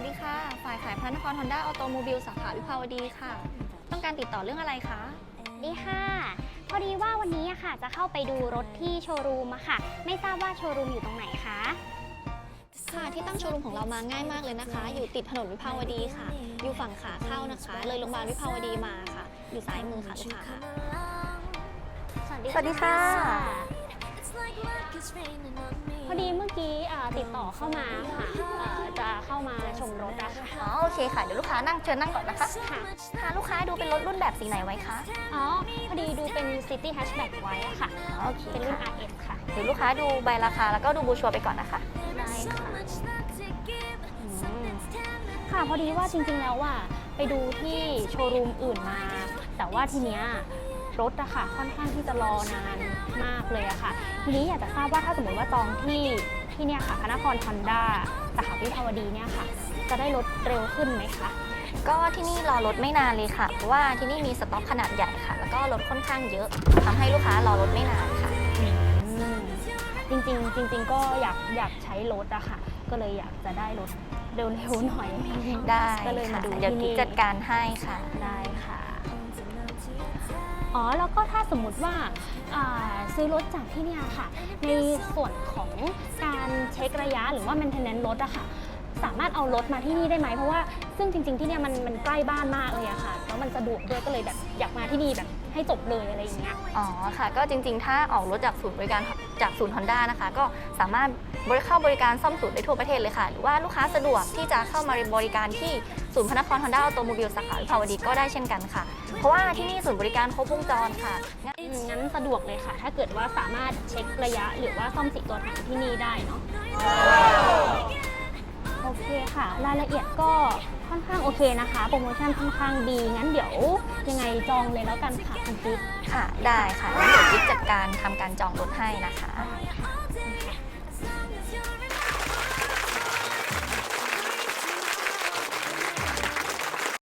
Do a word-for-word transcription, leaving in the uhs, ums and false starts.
ดีค่ะฝ่ายขายพระนครฮอนด้าออโตโมบิลสาขาวิภาวดีค่ะต้องการติดต่อเรื่องอะไรคะดีค่ะพอดีว่าวันนี้อะค่ะจะเข้าไปดูรถที่โชว์รูมอะค่ะไม่ทราบว่าโชว์รูมอยู่ตรงไหนคะค่ะที่ตั้งโชว์รูมของเรามาง่ายมากเลยนะคะอยู่ติดถนนวิภาวดีค่ะอยู่ฝั่งขาเข้านะคะเลยโรงพยาบาลวิภาวดีมาค่ะอยู่ซ้ายมือค่ะลูกค้าสวัสดีสวัสดีค่ะพอดีเมื่อกี้ติดต่อเข้ามาค่ะจะเข้ามาชมรถอะค่ะอ๋อโอเคค่ะเดี๋ยวลูกค้านั่งเชิญนั่งก่อนนะคะค่ะค่ะลูกค้าดูเป็นรถรุ่นแบบสีไหนไว้คะอ๋อพอดีดูเป็น City Hatchback ไว้อะค่ะโอเคเป็นรุ่น อาร์ เอส ค่ะเดี๋ยวลูกค้าดูใบราคาแล้วก็ดูบูชัวร์ไปก่อนนะคะได้ค่ะค่ะพอดีว่าจริงๆแล้วว่าไปดูที่โชว์รูมอื่นมาแต่ว่าทีเนี้ยรถอะค่ะค่อนข้างที่จะรอนานมากเลยอะค่ะทีนี้อยากจะทราบว่าถ้าสมมติว่าจองที่ที่เนี่ยค่ะพระนครฮอนด้าสาขาวิภาวดีเนี่ยค่ะจะได้รถเร็วขึ้นไหมคะก็ที่นี่รอรถไม่นานเลยค่ะเพราะว่าที่นี่มีสต็อกขนาดใหญ่ค่ะแล้วก็รถค่อนข้างเยอะทำให้ลูกค้ารอรถไม่นานค่ะจริงๆจริงๆก็อยากอยากใช้รถอะค่ะก็เลยอยากจะได้รถเร็วๆหน่อยได้ก็เลยมาดูเดี๋ยวกิ๊กจัดการให้ค่ะได้ค่ะอ๋อแล้วก็ถ้าสมมุติว่าซื้อรถจากที่เนี่ยค่ะในส่วนของการเช็คระยะหรือว่า maintenance รถอะค่ะสามารถเอารถมาที่นี่ได้ไหมเพราะว่าซึ่งจริงๆที่เนี่ยมันมันใกล้บ้านมากเลยอะค่ะแล้วมันสะดวกด้วยก็เลยแบบอยากมาที่นี่แบบให้จบเลยอะไรอย่างเงี้ยอ๋อค่ะก็จริงๆถ้าออกรถจากศูนย์บริการจากศูนย์ฮอนด้านะคะก็สามารถบริเข้าบริการซ่อมศูนย์ได้ทั่วประเทศเลยค่ะหรือว่าลูกค้าสะดวกที่จะเข้ามาบริการที่ศูนย์พระนครฮอนด้าออโตโมบิลสาขาวิภาวดีก็ได้เช่นกันค่ะเพราะว่าที่นี่ศูนย์บริการครบวงจรค่ะงั้นสะดวกเลยค่ะถ้าเกิดว่าสามารถเช็คระยะหรือว่าซ่อมสีตัวถังที่นี่ได้เนาะโอเคค่ะรายละเอียดก็ค่อนข้างโอเคนะคะโปรโมชั่นค่อนข้างดีงั้นเดี๋ยวยังไงจองเลยแล้วกันค่ะคุณจิ๊บค่ะได้ค่ะงั้นเดี๋ยวจิ๊บจัดการทำการจองรถให้นะคะ